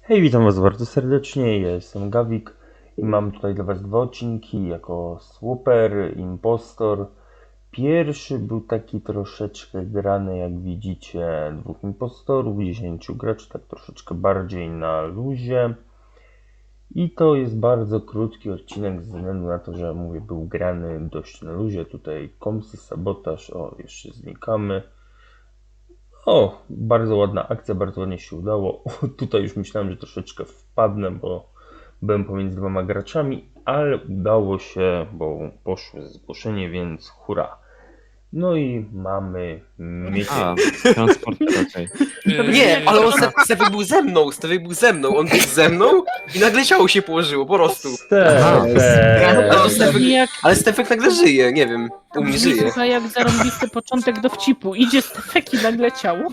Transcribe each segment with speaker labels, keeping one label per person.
Speaker 1: Hej, witam was bardzo serdecznie, ja jestem Gawik i mam tutaj dla was dwa odcinki jako Swooper, Impostor. Pierwszy był taki troszeczkę grany, jak widzicie, dwóch impostorów, 10 graczy, tak troszeczkę bardziej na luzie. I to jest bardzo krótki odcinek ze względu na to, że mówię, był grany dość na luzie. Tutaj komsy, sabotaż, o, jeszcze znikamy. O, bardzo ładna akcja, bardzo ładnie się udało. O, tutaj już myślałem, że troszeczkę wpadnę, bo byłem pomiędzy dwoma graczami, ale udało się, bo poszło zgłoszenie, więc hurra. No i mamy
Speaker 2: A,
Speaker 1: miesiąc.
Speaker 2: transport, okej.
Speaker 3: Nie, ale on Stefek był ze mną, on był ze mną i nagle ciało się położyło, po prostu. Ale Stefek nagle żyje, nie wiem, u mnie żyje.
Speaker 4: Brzmi jak zarąbisty początek dowcipu. Idzie Stefek i nagle ciało.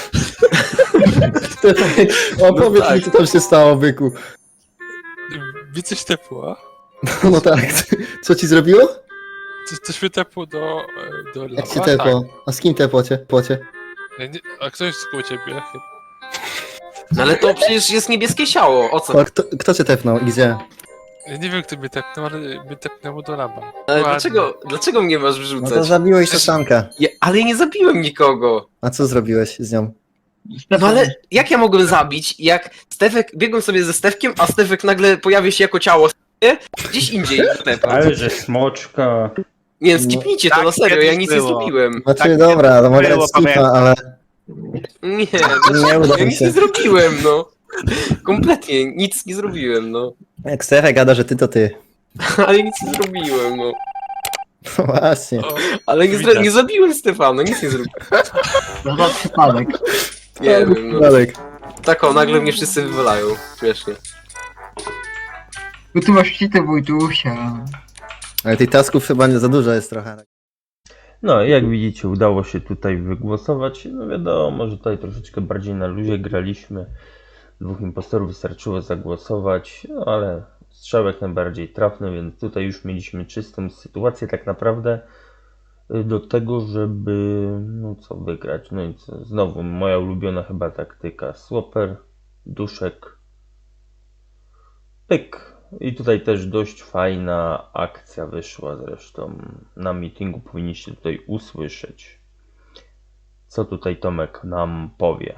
Speaker 5: Opowiedz
Speaker 3: tak.
Speaker 5: mi, co tam się stało, byku.
Speaker 6: Mi coś tepło.
Speaker 5: No tak, co ci zrobiło?
Speaker 6: Coś mnie tepło do
Speaker 5: Jak
Speaker 6: lawa.
Speaker 5: cię tepło? A z kim tepło cię?
Speaker 6: A kto jest koło ciebie?
Speaker 3: No ale to przecież jest niebieskie ciało, o co?
Speaker 5: A kto cię tepnął i gdzie?
Speaker 6: Ja nie wiem kto mnie tepnął, ale mnie tepnęło do laba.
Speaker 3: Ale
Speaker 6: Ładnie.
Speaker 3: dlaczego mnie masz
Speaker 5: No
Speaker 3: wrzucać?
Speaker 5: to zabiłeś szaszankę.
Speaker 3: Ale ja nie zabiłem nikogo.
Speaker 5: A co zrobiłeś z nią?
Speaker 3: No ale jak ja mogłem zabić, jak biegłem sobie ze Stefkiem, a Stefek nagle pojawia się jako ciało gdzieś indziej Stefa.
Speaker 1: Ale że smoczka.
Speaker 3: Nie, skipnijcie to,
Speaker 2: Tak
Speaker 3: na serio, ja
Speaker 2: kiedyś
Speaker 3: nic nie
Speaker 2: było.
Speaker 3: zrobiłem.
Speaker 5: Znaczy
Speaker 2: Tak,
Speaker 5: dobra, to mogę
Speaker 2: było,
Speaker 5: dać skipa,
Speaker 2: pamiętam.
Speaker 5: ale
Speaker 3: Nie,
Speaker 5: nie uda
Speaker 3: ja
Speaker 5: mi
Speaker 3: nic nie
Speaker 5: się.
Speaker 3: zrobiłem, no. Kompletnie, nic nie zrobiłem, no.
Speaker 5: Jak Stefek gada, że ty to ty.
Speaker 3: Ale nic nie zrobiłem, no.
Speaker 5: No właśnie.
Speaker 6: O,
Speaker 3: Ale
Speaker 6: widać.
Speaker 3: nie zabiłem Stefana, nic nie zrobiłem.
Speaker 7: No to przypadek.
Speaker 3: Nie wiem, no.
Speaker 5: Dalek.
Speaker 3: Tak o, nagle mnie wszyscy wywalają. Śmiesznie.
Speaker 7: Bo ty masz cheatę, Wojtusia.
Speaker 5: Ale tych tasków chyba nie za dużo jest trochę.
Speaker 1: No, jak widzicie, udało się tutaj wygłosować. No wiadomo, że tutaj troszeczkę bardziej na luzie graliśmy. Dwóch impostorów wystarczyło zagłosować, no ale strzałek najbardziej trafny, więc tutaj już mieliśmy czystą sytuację tak naprawdę do tego, żeby no co wygrać. No i co, znowu moja ulubiona chyba taktyka. Swooper, duszek, pyk. I tutaj też dość fajna akcja wyszła zresztą. Na meetingu powinniście tutaj usłyszeć, co tutaj Tomek nam powie.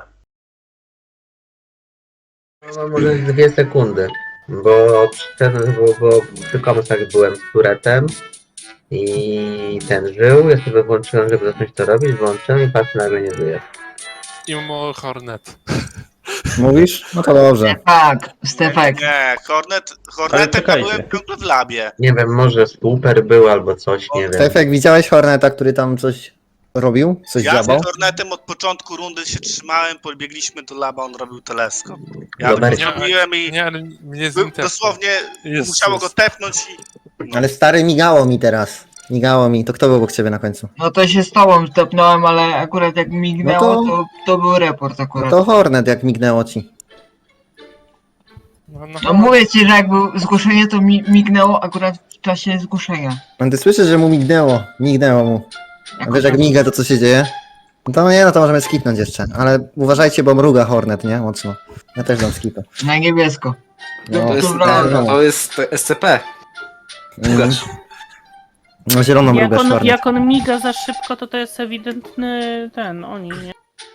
Speaker 8: No, może 2 sekundy, bo przy komsach byłem z Turetem i ten żył, ja sobie włączyłem, żeby zacząć to robić, włączyłem i patrzę, nagle nie żyje.
Speaker 6: Imo Hornet.
Speaker 5: Mówisz? No to dobrze.
Speaker 7: Stefek.
Speaker 2: Nie,
Speaker 1: Ale
Speaker 2: Hornetem
Speaker 1: czekajcie.
Speaker 2: byłem ciągle w labie.
Speaker 8: Nie wiem, może super był albo coś, nie wiem.
Speaker 5: Stefek, widziałeś Horneta, który tam coś robił? Coś
Speaker 2: Ja
Speaker 5: dziabał?
Speaker 2: z Hornetem od początku rundy się trzymałem, pobiegliśmy do laba, on robił teleskop. Ja
Speaker 8: Dobra.
Speaker 2: go zrobiłem i
Speaker 6: Nie, ale mnie z
Speaker 2: był,
Speaker 6: nim tepło.
Speaker 2: dosłownie
Speaker 6: Jest,
Speaker 2: musiało go
Speaker 6: jest.
Speaker 2: tepnąć i... No.
Speaker 5: Ale stary, migało mi teraz. Migało mi. To kto był obok ciebie na końcu?
Speaker 7: No to się z tobą tepnąłem, ale akurat jak mignęło,
Speaker 5: No
Speaker 7: to był report
Speaker 5: No
Speaker 7: akurat.
Speaker 5: to Hornet, jak mignęło ci.
Speaker 7: No mówię ci, że jak było zgłoszenie, to mignęło akurat w czasie zgłoszenia.
Speaker 5: No ty słyszysz, że mu mignęło. Mignęło mu. A
Speaker 7: Jako
Speaker 5: wiesz jak
Speaker 7: że-
Speaker 5: miga, to co się dzieje? No to nie, no to możemy skipnąć jeszcze. Ale uważajcie, bo mruga Hornet, nie? Mocno. Ja też dam skipę.
Speaker 7: Na niebiesko.
Speaker 5: No,
Speaker 3: To jest,
Speaker 7: Dobra.
Speaker 3: to jest SCP. Pugacz.
Speaker 5: No zieloną mrugasz Hornet.
Speaker 4: Jak on miga za szybko, to jest ewidentny oni, nie?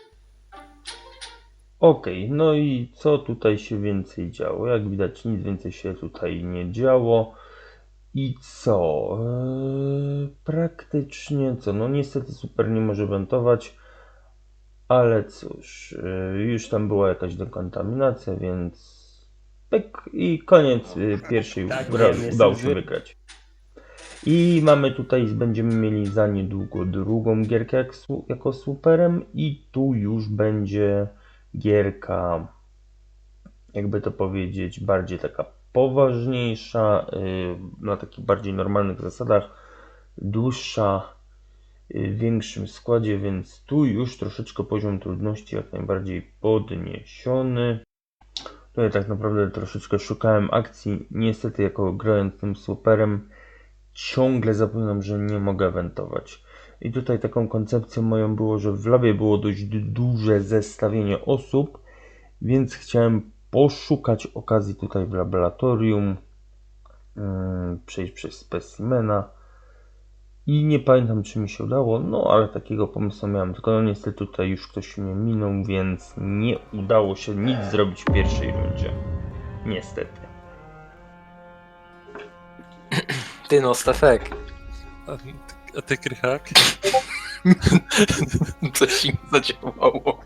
Speaker 1: Okej, no i co tutaj się więcej działo? Jak widać, nic więcej się tutaj nie działo. I co? Praktycznie co? No niestety super nie może wentować, ale cóż, już tam była jakaś dekontaminacja, więc pyk i koniec pierwszej gry udało się wygrać. I mamy tutaj, będziemy mieli za niedługo drugą gierkę jako superem i tu już będzie gierka, jakby to powiedzieć, bardziej taka poważniejsza, na takich bardziej normalnych zasadach, dłuższa, w większym składzie, więc tu już troszeczkę poziom trudności jak najbardziej podniesiony. Tutaj tak naprawdę troszeczkę szukałem akcji, niestety jako grając tym superem ciągle zapominam, że nie mogę eventować. I tutaj taką koncepcją moją było, że w labie było dość duże zestawienie osób, więc chciałem poszukać okazji tutaj w laboratorium, przejść przez specimena i nie pamiętam, czy mi się udało, no ale takiego pomysłu miałem, tylko no niestety tutaj już ktoś mnie minął, więc nie udało się nic zrobić w pierwszej rundzie. Niestety.
Speaker 3: Ty no, Stefek.
Speaker 6: A ty, Krychak?
Speaker 3: Coś im zadziałało.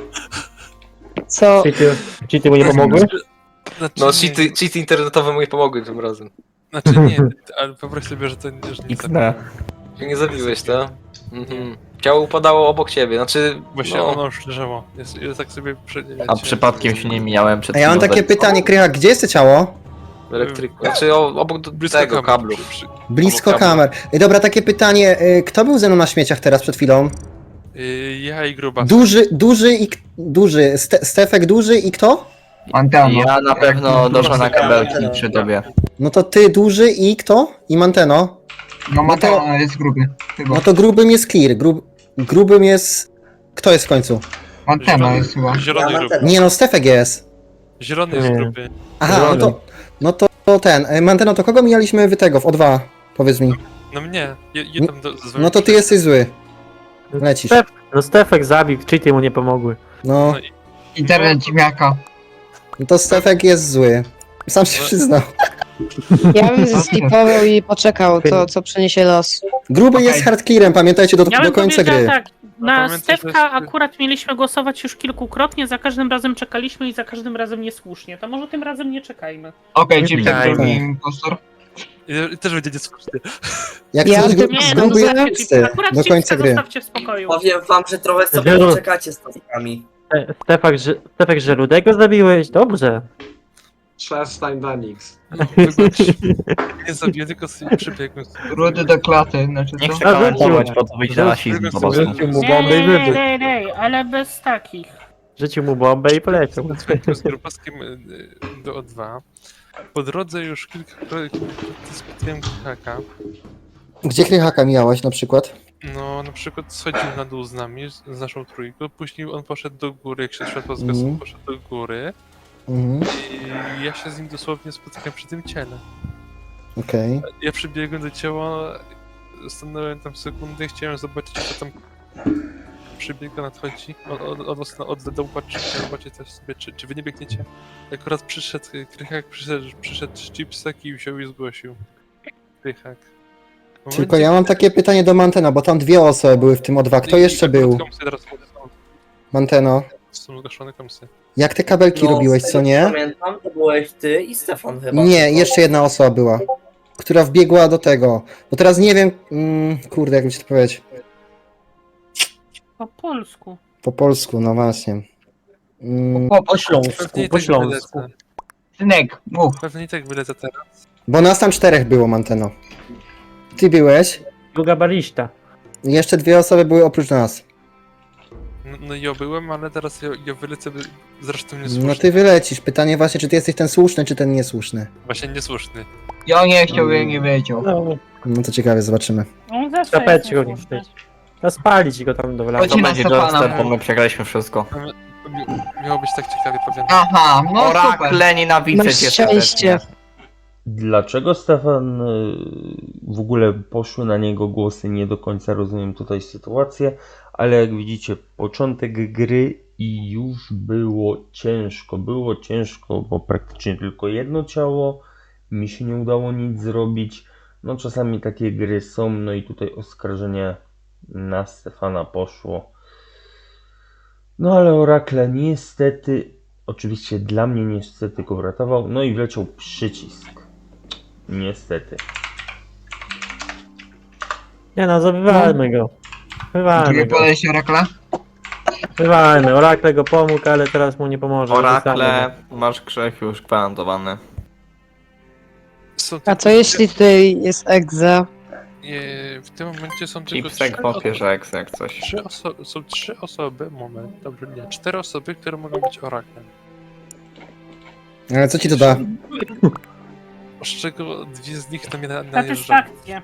Speaker 9: Co? Cheaty mu nie pomogły?
Speaker 6: Znaczy,
Speaker 3: No,
Speaker 6: nie,
Speaker 3: cheaty internetowe mu nie pomogły tym razem.
Speaker 6: znaczy nie, ale wyobraź sobie, że to że nie
Speaker 9: XD.
Speaker 3: Że nie zabiłeś, to? Mhm. Ciało upadało obok ciebie, znaczy...
Speaker 6: Właśnie
Speaker 3: no.
Speaker 6: ono już leżało. Ja tak sobie...
Speaker 9: A przypadkiem się nie mijałem przed
Speaker 5: A ja mam
Speaker 9: chwilą.
Speaker 5: takie pytanie, Krychak, gdzie jest to ciało?
Speaker 3: Elektryku. Znaczy obok
Speaker 6: Blisko
Speaker 3: tego
Speaker 6: kamer,
Speaker 3: kablu.
Speaker 5: Blisko
Speaker 3: Obok kablu.
Speaker 5: kamer. Dobra, takie pytanie, kto był ze mną na śmieciach teraz przed chwilą?
Speaker 6: Ja i gruba.
Speaker 5: Duży, Stefek duży i kto?
Speaker 7: Antena.
Speaker 9: Ja na pewno doszła na kabelki przy tobie.
Speaker 5: No to ty duży i kto? I Manteno?
Speaker 7: No Mateo jest gruby. Chyba.
Speaker 5: No to grubym jest clear, grubym jest... Kto jest w końcu?
Speaker 7: Antena jest chyba.
Speaker 6: Zielony gruby.
Speaker 5: Nie no, Stefek jest.
Speaker 6: Zielony jest
Speaker 9: Nie.
Speaker 6: gruby.
Speaker 5: Aha, no to ten. Manteno, to kogo mijaliśmy wy tego w O2? Powiedz mi.
Speaker 6: No mnie. Je tam
Speaker 5: No to ty jesteś zły. Lecisz.
Speaker 9: No Stefek zabił, cheaty mu nie pomogły.
Speaker 5: No,
Speaker 6: No i
Speaker 7: Internet ziemniaka.
Speaker 5: no to Stefek jest zły. Sam się przyznał.
Speaker 10: Ja bym zeskipował i poczekał, co przyniesie los.
Speaker 5: Gruby
Speaker 7: Okej.
Speaker 5: jest hard clearem, pamiętajcie do
Speaker 4: Ja bym
Speaker 5: końca
Speaker 4: powiedziała
Speaker 5: gry.
Speaker 4: tak, na
Speaker 6: pamiętaj, że
Speaker 4: Stefka
Speaker 6: jest-
Speaker 4: akurat mieliśmy głosować już kilkukrotnie, za każdym razem czekaliśmy i za każdym razem niesłusznie. To może tym razem nie czekajmy.
Speaker 7: Okej, czyli
Speaker 9: Tak.
Speaker 7: ten drugi impostor.
Speaker 6: I też będzie niesłuszny.
Speaker 5: Jak
Speaker 10: Ja
Speaker 5: chcesz
Speaker 10: bym
Speaker 5: gruby
Speaker 10: nie,
Speaker 5: gruby
Speaker 10: no,
Speaker 5: jest
Speaker 4: Akurat
Speaker 5: do końca
Speaker 4: Chipska
Speaker 5: gry.
Speaker 4: zostawcie w spokoju.
Speaker 3: Powiem wam, że trochę
Speaker 9: sobie
Speaker 3: poczekacie z topikami.
Speaker 9: Stefek, że Rudego zabiłeś? Dobrze.
Speaker 11: Przestań, Danix.
Speaker 6: No, nie zabiję, tylko sobie przybiegłem.
Speaker 7: Rudy do klaty, znaczy
Speaker 9: Nie
Speaker 7: co?
Speaker 9: chcę komentować, po co wyjść na rasizm po prostu.
Speaker 6: Rzucił
Speaker 9: mu bombę i wybuch.
Speaker 4: Ale bez takich.
Speaker 9: Rzucił mu bombę i poleciał.
Speaker 6: Z grubaskiem do O2. Po drodze już kilkakrotnie spotkałem Krychaka.
Speaker 5: Gdzie Krychaka mijałeś na przykład?
Speaker 6: No, na przykład schodził na dół z nami, z naszą trójką, później on poszedł do góry, jak się światło zgasło,
Speaker 5: Mhm.
Speaker 6: poszedł do góry
Speaker 5: Mhm,
Speaker 6: i ja się z nim dosłownie spotykam przy tym ciele.
Speaker 5: okej.
Speaker 6: Ja przybiegłem do ciała, stanąłem tam sekundę, chciałem zobaczyć, co tam przybiega, nadchodzi, od dołu patrzy, zobaczyć też sobie, czy wy nie biegniecie. Akurat przyszedł Krychak, przyszedł Chipsek i wziął i zgłosił. Krychak. W
Speaker 5: Tylko
Speaker 6: momencie,
Speaker 5: ja mam takie pytanie do Mantena, bo tam dwie osoby były w tym O2. Kto
Speaker 6: I
Speaker 5: jeszcze
Speaker 6: akurat
Speaker 5: był?
Speaker 6: komsy teraz
Speaker 5: Manteno.
Speaker 6: są zgaszone komsy.
Speaker 5: Jak te kabelki robiłeś, co nie?
Speaker 3: Pamiętam, to byłeś ty i Stefan chyba.
Speaker 5: Nie, jeszcze jedna osoba była, która wbiegła do tego. Bo teraz nie wiem, kurde, jak mi się to powiedzieć.
Speaker 4: Po polsku.
Speaker 5: Po polsku, no właśnie.
Speaker 9: Po śląsku,
Speaker 6: Pewnie i
Speaker 9: po
Speaker 6: tak
Speaker 9: śląsku.
Speaker 6: wylecę.
Speaker 7: Synek, mów.
Speaker 6: Pewnie i tak wylecę teraz.
Speaker 5: Bo nas tam czterech było, Manteno. Ty byłeś,
Speaker 9: Druga barista.
Speaker 5: i jeszcze dwie osoby były oprócz nas.
Speaker 6: No ja byłem, ale teraz ja wylecę zresztą niesłuszny.
Speaker 5: No ty wylecisz. Pytanie właśnie, czy ty jesteś ten słuszny, czy ten niesłuszny.
Speaker 6: Właśnie niesłuszny.
Speaker 7: Ja nie chciał, ja nie wiedział.
Speaker 9: No,
Speaker 5: No to ciekawie, zobaczymy.
Speaker 4: On zawsze
Speaker 9: zapeć
Speaker 4: jest
Speaker 9: go nie
Speaker 4: niesłuszny.
Speaker 9: wstać. No spalić go tam do wlania.
Speaker 7: Chodzi na Stefana.
Speaker 9: bo my przegraliśmy wszystko.
Speaker 6: Miało być tak ciekawie, powiem.
Speaker 7: Aha, no super.
Speaker 9: Orakle nienawidzę
Speaker 10: Masz
Speaker 9: cię
Speaker 10: szczęście.
Speaker 1: Dlaczego Stefan w ogóle poszły na niego głosy, nie do końca rozumiem tutaj sytuację, ale jak widzicie, początek gry i już było ciężko, bo praktycznie tylko jedno ciało, mi się nie udało nic zrobić, no czasami takie gry są, no i tutaj oskarżenie na Stefana poszło. No ale Orakle niestety, oczywiście dla mnie niestety go uratował, no i wleciał przycisk. Niestety.
Speaker 9: Nie no, zabywajmy go. Wywalmy
Speaker 7: Drugie
Speaker 9: go.
Speaker 7: podejście Orakla?
Speaker 9: Wywalmy. Orakle go pomógł, ale teraz mu nie pomoże.
Speaker 11: Orakle, masz grzech już gwarantowany.
Speaker 6: Są
Speaker 10: A co jeśli tutaj jest egza?
Speaker 6: W tym momencie są tylko
Speaker 11: Chipsek popierze jak coś.
Speaker 6: są trzy osoby, dobrze, nie, 4 osoby, które mogą być oraklem.
Speaker 5: Ale co ci to da?
Speaker 6: Z czego 2 z nich to mnie najeżdżają,
Speaker 4: Satysfakcja.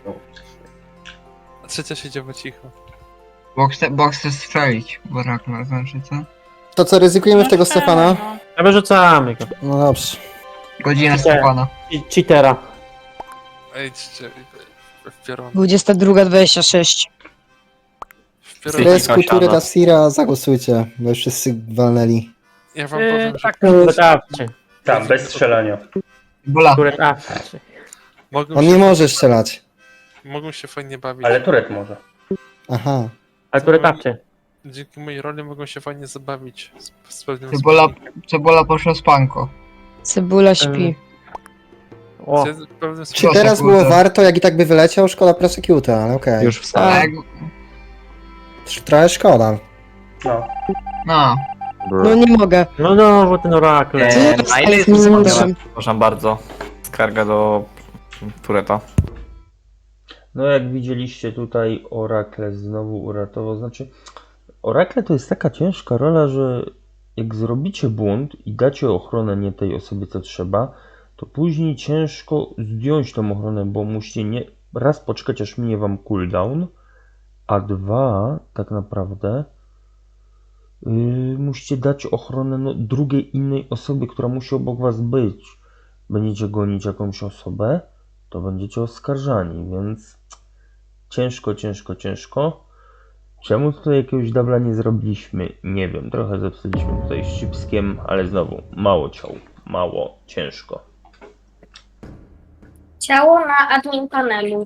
Speaker 6: a trzecia siedziała cicho.
Speaker 7: Bo chce strzelić w Orakla, znaczy co?
Speaker 5: To co, ryzykujemy w tego Stefana?
Speaker 9: Ja wyrzucamy go.
Speaker 5: No dobrze.
Speaker 7: Godzina Stefana.
Speaker 9: Cheatera.
Speaker 6: Idźcie w piorun.
Speaker 10: 22:26.
Speaker 6: W piorun.
Speaker 5: Fresku, Turet, Asira, zagłosujcie, bo już wszyscy walnęli.
Speaker 6: Ja wam powiem, że
Speaker 4: Tak,
Speaker 9: Dawcie.
Speaker 1: Tam, bez strzelania.
Speaker 7: Bola.
Speaker 9: Turet awcie.
Speaker 5: On nie może strzelać.
Speaker 6: mogą się fajnie bawić.
Speaker 1: Ale Turet może.
Speaker 5: Aha.
Speaker 9: Ale Turet awcie.
Speaker 6: Dzięki mojej roli mogą się fajnie zabawić z pewnym
Speaker 7: Cebola poszła z panko.
Speaker 10: Cebula śpi.
Speaker 9: O,
Speaker 6: pewnym
Speaker 5: Czy teraz było warto, jak i tak by wyleciał? Szkoda prosecuta, ale okej.
Speaker 11: Już wstałem.
Speaker 7: Tak.
Speaker 5: Trochę szkoda.
Speaker 1: No.
Speaker 7: No.
Speaker 10: No nie mogę.
Speaker 9: no, bo ten Oracle.
Speaker 11: Na ile jest
Speaker 10: Nie
Speaker 11: wysoko?
Speaker 10: mogę.
Speaker 11: Proszę bardzo. Skarga do Tureta.
Speaker 1: No jak widzieliście tutaj Oracle znowu uratował, znaczy Oracle to jest taka ciężka rola, że jak zrobicie błąd i dacie ochronę nie tej osobie co trzeba, to później ciężko zdjąć tą ochronę, bo musicie nie raz poczekać aż minie wam cooldown, a dwa tak naprawdę musicie dać ochronę drugiej innej osobie, która musi obok was być. Będziecie gonić jakąś osobę, to będziecie oskarżani, więc ciężko. Czemu tutaj jakiegoś dubla nie zrobiliśmy? Nie wiem, trochę zepsuliśmy tutaj z Chipskiem, ale znowu mało ciał, mało, ciężko.
Speaker 12: Ciało na admin panelu.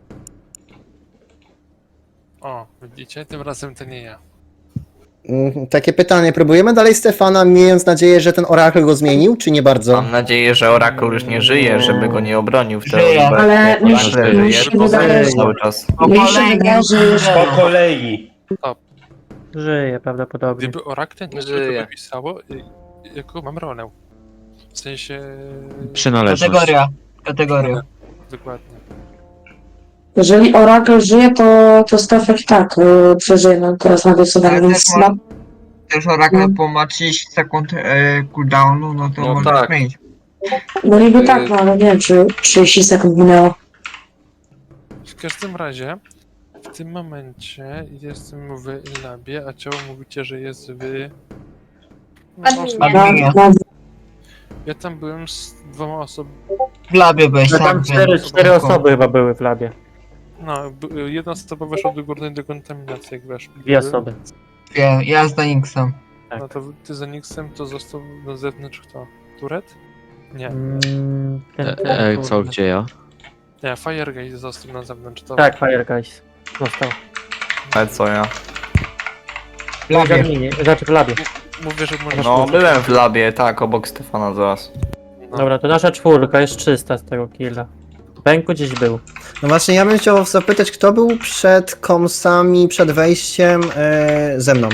Speaker 6: O, widzicie? Tym razem to nie ja.
Speaker 5: Takie pytanie, próbujemy dalej Stefana, miejąc nadzieję, że ten Oracle go zmienił, czy nie bardzo?
Speaker 11: Mam nadzieję, że Oracle już nie żyje, żeby go nie obronił w teorii.
Speaker 7: Żyje.
Speaker 11: bo
Speaker 10: Ale
Speaker 11: jak
Speaker 10: mi
Speaker 11: Oracle
Speaker 10: się-
Speaker 11: żyje,
Speaker 10: mi się
Speaker 11: to
Speaker 10: wydaje,
Speaker 11: żyje
Speaker 10: że-
Speaker 11: cały czas.
Speaker 10: Mi się wydaje, że
Speaker 1: Po kolei!
Speaker 9: Żyje prawdopodobnie.
Speaker 6: Gdyby Oracle nie
Speaker 3: Żyje.
Speaker 6: to wypisało, jaką mam rolę. W sensie...
Speaker 7: Kategoria.
Speaker 6: Dokładnie.
Speaker 10: jeżeli Oracle żyje, to Stefek tak przeżyje no, teraz na głosowanie,
Speaker 7: Ale
Speaker 10: więc
Speaker 7: też Też Oracle po ma 30 sekund cooldownu, no to
Speaker 3: No
Speaker 7: można
Speaker 3: tak.
Speaker 7: zmienić.
Speaker 10: no niby tak, no ale nie wiem, czy 30 sekund minęło.
Speaker 6: W każdym razie, w tym momencie jestem w labie, a ciało mówicie, że jest w...
Speaker 12: Adminie.
Speaker 6: Ja tam byłem z 2 osobami.
Speaker 7: W labie byłeś
Speaker 9: No, tam
Speaker 7: sam.
Speaker 9: 4 osoby chyba były w labie.
Speaker 6: No, jedna osoba weszła do górnej dekontaminacji, jak weszła.
Speaker 9: 2 osoby.
Speaker 7: Ja z Danixem.
Speaker 6: No to ty za Nixem to został na zewnątrz kto? Turet? Nie.
Speaker 9: Co, gdzie ja?
Speaker 6: Nie, Fireguy został na zewnątrz. To...
Speaker 9: Tak, Fire Guys. Został.
Speaker 11: Ale co ja?
Speaker 7: W labie.
Speaker 9: Znaczy w labie.
Speaker 6: Mówię, że możesz...
Speaker 11: No, byłem w labie, tak, obok Stefana zaraz.
Speaker 9: Dobra, to nasza 4 jest czysta z tego killa. Pęku gdzieś był.
Speaker 5: No właśnie, ja bym chciał zapytać, kto był przed komsami, przed wejściem ze mną?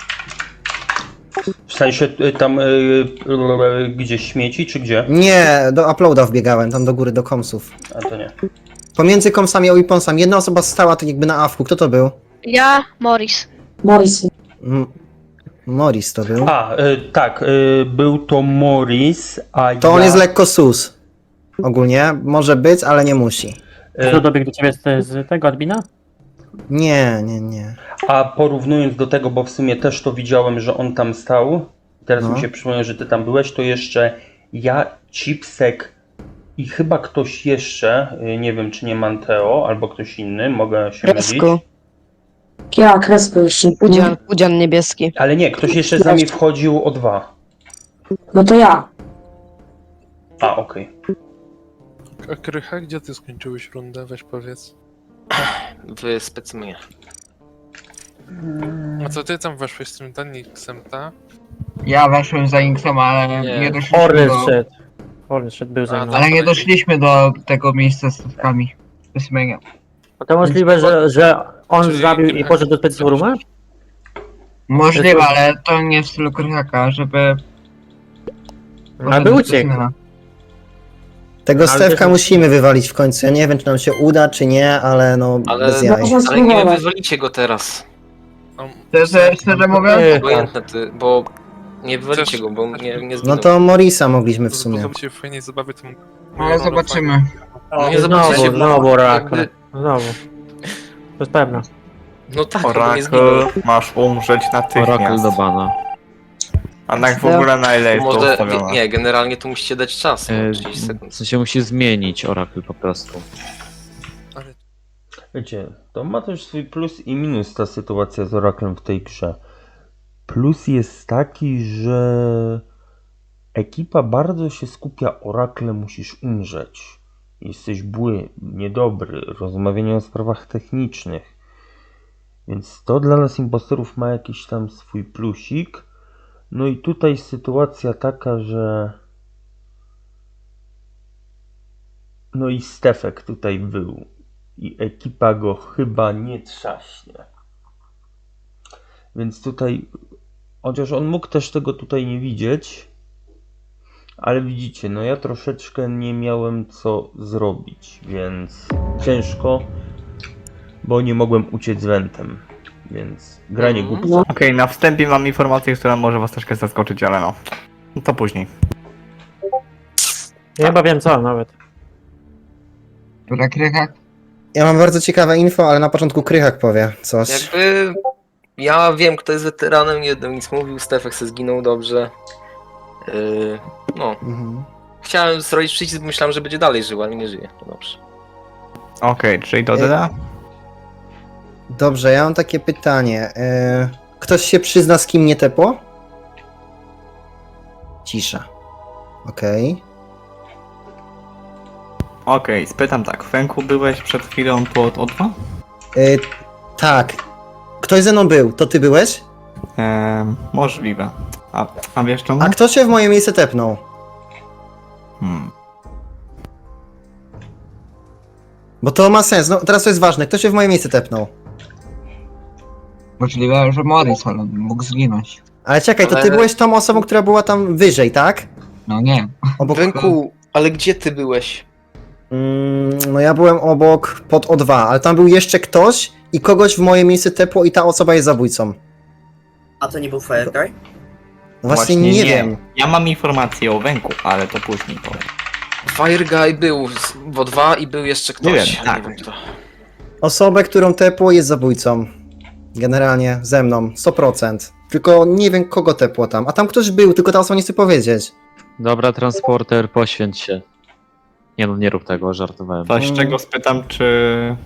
Speaker 1: W sensie tam gdzieś śmieci, czy gdzie?
Speaker 5: Nie, do uploada wbiegałem, tam do góry, do komsów.
Speaker 1: A to nie.
Speaker 5: Pomiędzy komsami a weaponsami jedna osoba stała tak jakby na awku, kto to był?
Speaker 12: Ja, Morris.
Speaker 10: Morris.
Speaker 5: Morris to był.
Speaker 1: Tak, był to Morris, a
Speaker 5: To on jest lekko sus. Ogólnie, może być, ale nie musi.
Speaker 9: Kto dobiegł do ciebie z tego admina?
Speaker 5: Nie.
Speaker 1: A porównując do tego, bo w sumie też to widziałem, że on tam stał, teraz
Speaker 5: No.
Speaker 1: mi się przypomniał, że ty tam byłeś, to jeszcze ja, Chipsek i chyba ktoś jeszcze, nie wiem czy nie Manteo, albo ktoś inny, mogę się mylić.
Speaker 10: Kresko. Ja, Kresko jeszcze. Pudzian niebieski.
Speaker 1: Ale nie, ktoś jeszcze z nami wchodził o 2.
Speaker 10: No to ja.
Speaker 1: A, okej.
Speaker 6: A Krycha, gdzie ty skończyłeś rundę? Weź powiedz.
Speaker 3: W specymie.
Speaker 6: A co ty tam weszłeś z tym Danixem, ta?
Speaker 7: Ja weszłem za Danixem, ale nie doszliśmy
Speaker 9: Hornet
Speaker 7: do...
Speaker 9: szedł. Hornet szedł, był ze mną.
Speaker 7: Ale nie doszliśmy do tego miejsca z stawkami. Specymenia.
Speaker 9: To możliwe, że on
Speaker 6: Czyli-
Speaker 9: zabił i poszedł do Special Rooma?
Speaker 7: Możliwe, ale to nie w stylu Krychaka, żeby...
Speaker 9: A by uciekł.
Speaker 5: Tego
Speaker 9: Ale
Speaker 5: Stefka
Speaker 9: też-
Speaker 5: musimy wywalić w końcu. Ja nie wiem, czy nam się uda, czy nie, ale no
Speaker 3: Ale,
Speaker 5: bez jaj.
Speaker 3: ale nie wywalicie go teraz.
Speaker 6: No,
Speaker 7: Szczerze mówiąc?
Speaker 3: Obojętne ty, bo nie wywalicie go, bo nie zginął.
Speaker 5: No to Morisa mogliśmy w sumie.
Speaker 6: Pozwólcie fajnej zabawy tym...
Speaker 7: Ale zobaczymy.
Speaker 3: No nie zobaczycie,
Speaker 9: Znowu Oracle.
Speaker 3: jakby-
Speaker 9: Znowu. To jest pewne.
Speaker 3: No tak, bo nie zginął.
Speaker 11: Oracle, masz umrzeć natychmiast.
Speaker 9: bana.
Speaker 11: A tak w ogóle na ile jest to
Speaker 3: Może,
Speaker 11: ustawione?
Speaker 3: nie, generalnie tu musicie dać czas, no, 30 sekund.
Speaker 9: W sensie musi zmienić Oracle po prostu.
Speaker 1: Wiecie, to ma też swój plus i minus ta sytuacja z Oraklem w tej grze. Plus jest taki, że ekipa bardzo się skupia, Oracle musisz umrzeć. Jesteś bły, niedobry, rozmawianie o sprawach technicznych. Więc to dla nas impostorów ma jakiś tam swój plusik. No i tutaj sytuacja taka, że no i Stefek tutaj był i ekipa go chyba nie trzaśnie. Więc tutaj, chociaż on mógł też tego tutaj nie widzieć, ale widzicie, no ja troszeczkę nie miałem co zrobić, więc ciężko, bo nie mogłem uciec wentem, więc granie głupca.
Speaker 11: Okej, na wstępie mam informację, która może was troszkę zaskoczyć, ale no. To później.
Speaker 9: Ja chyba wiem co nawet.
Speaker 7: Dobra, Krychak.
Speaker 5: Ja mam bardzo ciekawe info, ale na początku Krychak powie coś.
Speaker 3: Jakby ja wiem, kto jest weteranem, nie będę nic mówił, Stefek se zginął dobrze. No,
Speaker 5: Mhm.
Speaker 3: chciałem zrobić przycisk, bo myślałem, że będzie dalej żył, ale nie żyje. To dobrze.
Speaker 11: Okej, czyli to tyle?
Speaker 5: Dobrze, ja mam takie pytanie. Ktoś się przyzna, z kim nie tepło? Cisza. Okej.
Speaker 11: Okej, spytam tak. Fenku, byłeś przed chwilą pod O2?
Speaker 5: Tak. Ktoś ze mną był, to ty byłeś?
Speaker 11: Możliwe. A wiesz czemu?
Speaker 5: A kto się w moje miejsce tepnął? Bo to ma sens, no teraz to jest ważne, kto się w moje miejsce tepnął?
Speaker 7: Możliwe, że Morris, ale mógł zginąć.
Speaker 5: Ale czekaj, to ty
Speaker 3: Ale-
Speaker 5: byłeś tą osobą, która była tam wyżej, tak?
Speaker 7: No nie.
Speaker 5: Obok...
Speaker 3: Węku, ale gdzie ty byłeś?
Speaker 5: No ja byłem obok pod O2, ale tam był jeszcze ktoś i kogoś w moje miejsce tepło i ta osoba jest zabójcą.
Speaker 13: A to nie był Fire Guy?
Speaker 5: No właśnie nie wiem.
Speaker 11: Ja mam informację o Węku, ale to później powiem.
Speaker 3: Fire Guy był w O2 i był jeszcze ktoś.
Speaker 11: Nie wiem, tak.
Speaker 3: Nie wiem kto.
Speaker 5: Osobę, którą tepło jest zabójcą. Generalnie ze mną, 100%. Tylko nie wiem kogo tepło tam. A tam ktoś był, tylko ta osoba nie chce powiedzieć.
Speaker 9: Dobra, transporter, poświęć się. Nie no, nie rób tego, żartowałem.
Speaker 11: Coś, czego spytam, czy...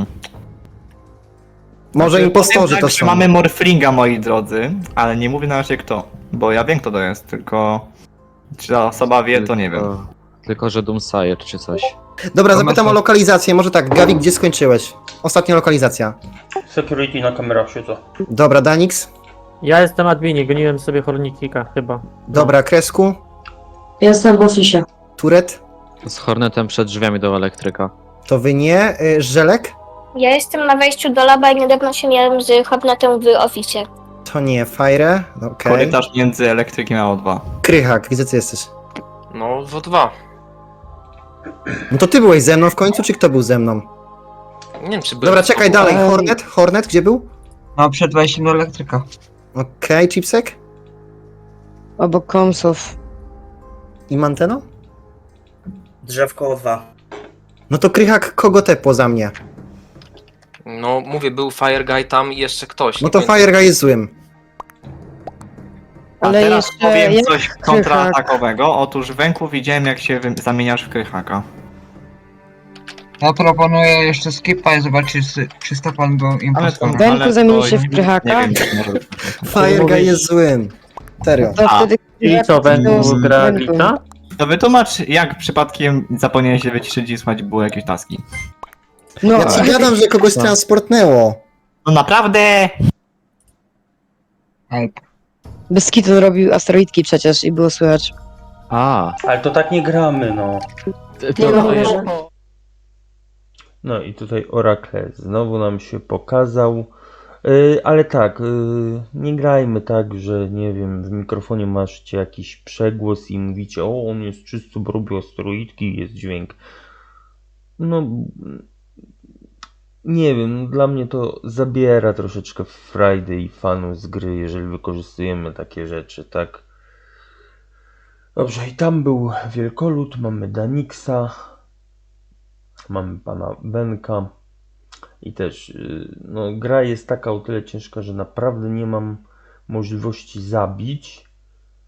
Speaker 5: Może
Speaker 11: Znaczy,
Speaker 5: impostorzy
Speaker 11: powiem
Speaker 5: to
Speaker 11: tak, że
Speaker 5: są.
Speaker 11: mamy Morflinga, moi drodzy, ale nie mówię na razie kto. Bo ja wiem kto to jest, tylko... Czy ta osoba wie, to nie wiem.
Speaker 9: Tylko, że Doomsayer czy coś.
Speaker 5: Dobra,
Speaker 7: To
Speaker 5: zapytam
Speaker 7: masz-
Speaker 5: o lokalizację. Może tak, Gawi, gdzie skończyłeś? Ostatnia lokalizacja.
Speaker 1: Security na kamerach siedzę.
Speaker 5: Dobra, Danix.
Speaker 9: Ja jestem adminie, goniłem sobie Hornikika chyba.
Speaker 5: Dobra, Kresku.
Speaker 10: Jestem w oficie.
Speaker 5: Turet.
Speaker 9: Z Hornetem przed drzwiami do elektryka.
Speaker 5: To wy nie. Żelek.
Speaker 12: Ja jestem na wejściu do laba i niedawno się miałem z Hobnetem w oficie.
Speaker 5: To nie. Fire. Okej.
Speaker 11: Korytarz między elektrykiem a O2.
Speaker 5: Krychak, gdzie ty jesteś?
Speaker 3: No, w O2.
Speaker 5: No to ty byłeś ze mną w końcu, czy kto był ze mną?
Speaker 3: Nie wiem, czy był.
Speaker 5: Dobra, czekaj dalej. Hornet, gdzie był?
Speaker 7: No, przed wejściem do elektryka.
Speaker 5: Okej, Chipsek.
Speaker 10: Obok komsów.
Speaker 5: I Manteno?
Speaker 13: Drzewko o 2.
Speaker 5: No to Krychak kogo tepło za mnie?
Speaker 3: No, mówię, był Fire Guy tam i jeszcze ktoś.
Speaker 5: No
Speaker 3: nie
Speaker 5: to
Speaker 3: pamiętam.
Speaker 5: Fire Guy jest złym.
Speaker 11: A
Speaker 10: Ale
Speaker 11: teraz
Speaker 10: jeszcze
Speaker 11: powiem
Speaker 10: jak
Speaker 11: coś kontratakowego. Otóż Węku widziałem jak się zamieniasz w Krychaka.
Speaker 7: Ja proponuję jeszcze skipa i zobaczyć, czy Stefan był impostorem.
Speaker 10: Węku
Speaker 11: ale
Speaker 10: zamieni
Speaker 11: to
Speaker 10: się w
Speaker 11: nie-
Speaker 10: Krychaka?
Speaker 11: Nie wiem, czy może być.
Speaker 5: Fire Guy jest złym. Serio.
Speaker 10: To wtedy...
Speaker 9: I co, Węku
Speaker 10: to-
Speaker 9: gra
Speaker 10: Węku.
Speaker 9: glitcha?
Speaker 11: To wytłumacz, jak przypadkiem zapomniałeś się wyciszyć i słuchać było jakieś taski.
Speaker 10: No,
Speaker 5: Ja ci gadam, że kogoś transportnęło.
Speaker 11: No naprawdę!
Speaker 7: Help.
Speaker 10: bez kitu robił asteroidki przecież i było słychać.
Speaker 9: A,
Speaker 1: Ale to tak nie gramy, no.
Speaker 10: Nie
Speaker 9: to,
Speaker 10: może.
Speaker 1: No i tutaj Oracle znowu nam się pokazał. Ale tak, nie grajmy tak, że nie wiem, w mikrofonie masz jakiś przegłos i mówicie, o on jest czysty, bo robi asteroidki, jest dźwięk. No, nie wiem, dla mnie to zabiera troszeczkę frajdy i fanu z gry, jeżeli wykorzystujemy takie rzeczy, tak? Dobrze, i tam był Wielkolud, mamy Danixa, mamy pana Benka i też, no gra jest taka o tyle ciężka, że naprawdę nie mam możliwości zabić,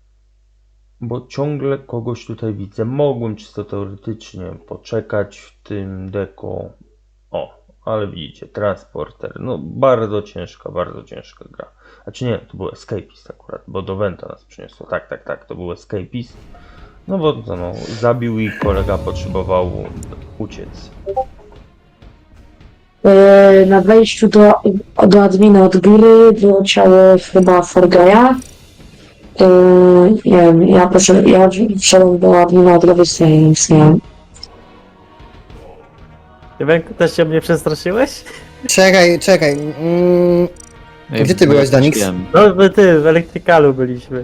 Speaker 1: Bo ciągle kogoś tutaj widzę. Mogłem czysto teoretycznie poczekać w tym deko. O, ale widzicie, transporter. No bardzo ciężka gra. Znaczy nie, to był escapist akurat, bo do Venta nas przyniosło. Tak, to był escapist. No bo to no, zabił i kolega potrzebował uciec.
Speaker 10: Na wejściu do admina od góry było ciało chyba Forgeja. Nie wiem, ja wszedłem do admina od lewej strony, nic nie wiem.
Speaker 9: Wenku, też się mnie przestraszyłeś?
Speaker 5: Czekaj. Gdzie ty byłeś, Danix?
Speaker 9: No ty, w elektrykalu byliśmy.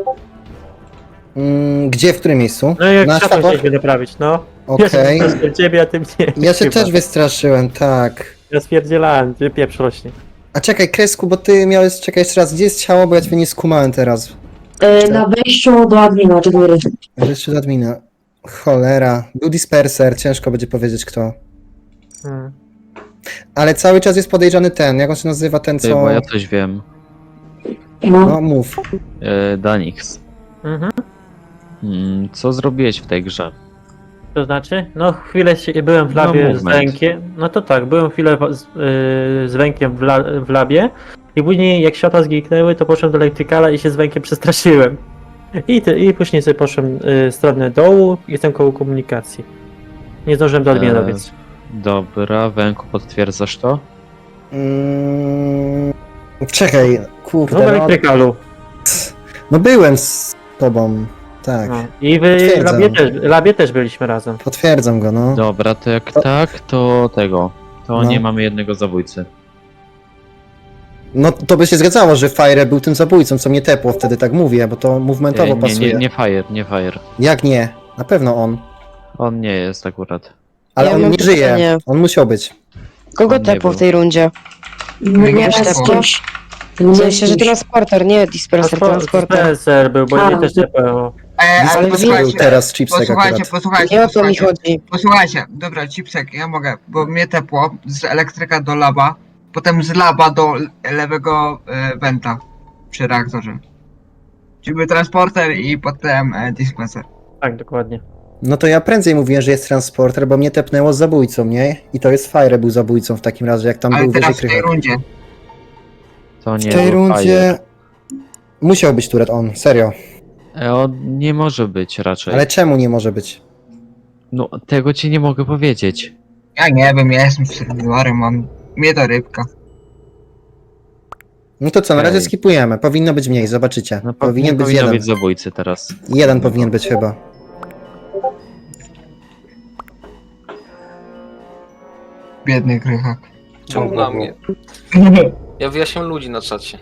Speaker 5: Gdzie, w którym miejscu?
Speaker 9: No jak
Speaker 5: Na
Speaker 9: trzeba
Speaker 5: sztabach?
Speaker 9: się naprawić, no.
Speaker 5: Okej.
Speaker 9: Ja się ciebie, a ty mnie.
Speaker 5: Ja się
Speaker 9: chyba.
Speaker 5: też wystraszyłem, tak.
Speaker 9: Ja spierdzielałem, ty pieprz rośnie.
Speaker 5: A czekaj, Kresku, bo ty miałeś, czekaj jeszcze raz, gdzie jest ciało, bo ja cię nie skumałem teraz.
Speaker 10: Na wejściu do admina od góry.
Speaker 5: Jeszcze do admina. Cholera. Był disperser, ciężko będzie powiedzieć kto. Ale cały czas jest podejrzany ten, jak on się nazywa, ten co...
Speaker 14: Bo ja coś wiem.
Speaker 5: No mów.
Speaker 14: Danix.
Speaker 9: Mhm.
Speaker 14: Co zrobiłeś w tej grze?
Speaker 9: To znaczy? No chwilę byłem w labie z Wękiem. No to tak, byłem chwilę z Wękiem w labie. I później jak światła zniknęły, to poszedłem do elektrykala i się z Wękiem przestraszyłem. I później sobie poszedłem w stronę dołu i jestem koło komunikacji. Nie zdążyłem do admina dobiec.
Speaker 14: Dobra, Węku, potwierdzasz to?
Speaker 5: Czekaj, kurde.
Speaker 9: No w elektrykalu.
Speaker 5: No byłem z tobą, tak.
Speaker 9: No. I w labie też byliśmy razem.
Speaker 5: Potwierdzam go, no.
Speaker 14: Dobra, to jak tak, to tego. To nie mamy jednego zabójcy.
Speaker 5: No to by się zgadzało, że Fire był tym zabójcą, co mnie tepło, wtedy tak mówię, bo to movementowo pasuje.
Speaker 14: Nie Fire.
Speaker 5: Jak nie? Na pewno on.
Speaker 14: On nie jest akurat.
Speaker 5: Ale
Speaker 15: Ja
Speaker 5: on
Speaker 15: mam
Speaker 5: nie żyje,
Speaker 15: pytanie.
Speaker 5: on musiał być.
Speaker 15: Kogo
Speaker 14: On nie
Speaker 15: tepło
Speaker 14: był.
Speaker 15: w tej rundzie?
Speaker 10: Nie,
Speaker 15: W sensie, że transporter, nie disperser, transporter.
Speaker 9: Dispenser był, bo mnie też tepało.
Speaker 7: Ale
Speaker 5: Dispenser był teraz Chipsek akurat.
Speaker 15: Nie o to mi chodzi.
Speaker 7: Posłuchajcie, dobra, Chipsek, ja mogę, bo mnie tepło z elektryka do laba, potem z laba do lewego wenta przy reaktorze. Czyli był transporter i potem dispenser.
Speaker 9: Tak, dokładnie.
Speaker 5: No to ja prędzej mówiłem, że jest transporter, bo mnie tepnęło z zabójcą, nie? I to jest Fire był zabójcą w takim razie, jak tam
Speaker 7: Ale
Speaker 5: był wyżej
Speaker 7: teraz w tej
Speaker 5: krychak.
Speaker 7: rundzie.
Speaker 14: To nie
Speaker 5: W tej
Speaker 14: był
Speaker 5: rundzie... Musiał być Turet on, serio.
Speaker 14: Fire. On nie może być raczej.
Speaker 5: Ale czemu nie może być?
Speaker 14: No, tego ci nie mogę powiedzieć.
Speaker 7: Ja nie wiem, ja jestem serwerem, mam... Mnie to rybka.
Speaker 5: No to co, na razie
Speaker 14: Okej.
Speaker 5: skipujemy. Powinno być mniej, zobaczycie.
Speaker 14: No,
Speaker 5: Powinien być
Speaker 14: powinno
Speaker 5: jeden.
Speaker 14: być zabójcy teraz.
Speaker 5: Jeden powinien być chyba.
Speaker 7: Biedny krychak.
Speaker 3: Czemu na mnie? Ja wyjaśniam ludzi na czacie.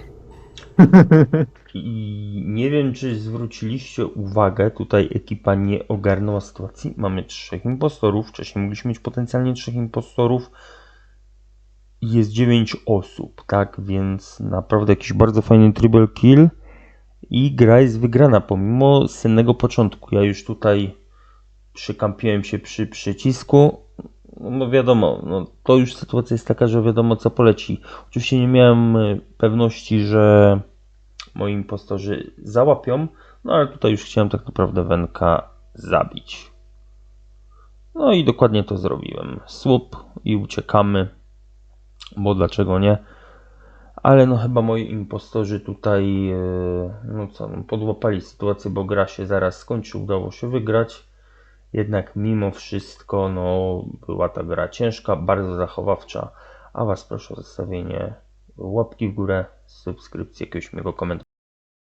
Speaker 1: I nie wiem, czy zwróciliście uwagę, tutaj ekipa nie ogarnęła sytuacji. Mamy 3 impostorów, wcześniej mogliśmy mieć potencjalnie 3 impostorów. Jest 9 osób, tak, więc naprawdę jakiś bardzo fajny triple kill i gra jest wygrana pomimo sennego początku. Ja już tutaj przykampiłem się przy przycisku. No wiadomo, no to już sytuacja jest taka, że wiadomo co poleci. Oczywiście nie miałem pewności, że moi impostorzy załapią, no ale tutaj już chciałem tak naprawdę Wenka zabić. No i dokładnie to zrobiłem. Słup i uciekamy, bo dlaczego nie? Ale no chyba moi impostorzy tutaj no co, no, podłapali sytuację, bo gra się zaraz skończy, udało się wygrać. Jednak mimo wszystko no, była ta gra ciężka, bardzo zachowawcza, a Was proszę o zostawienie łapki w górę, subskrypcji, jakiegoś miłego komentarza.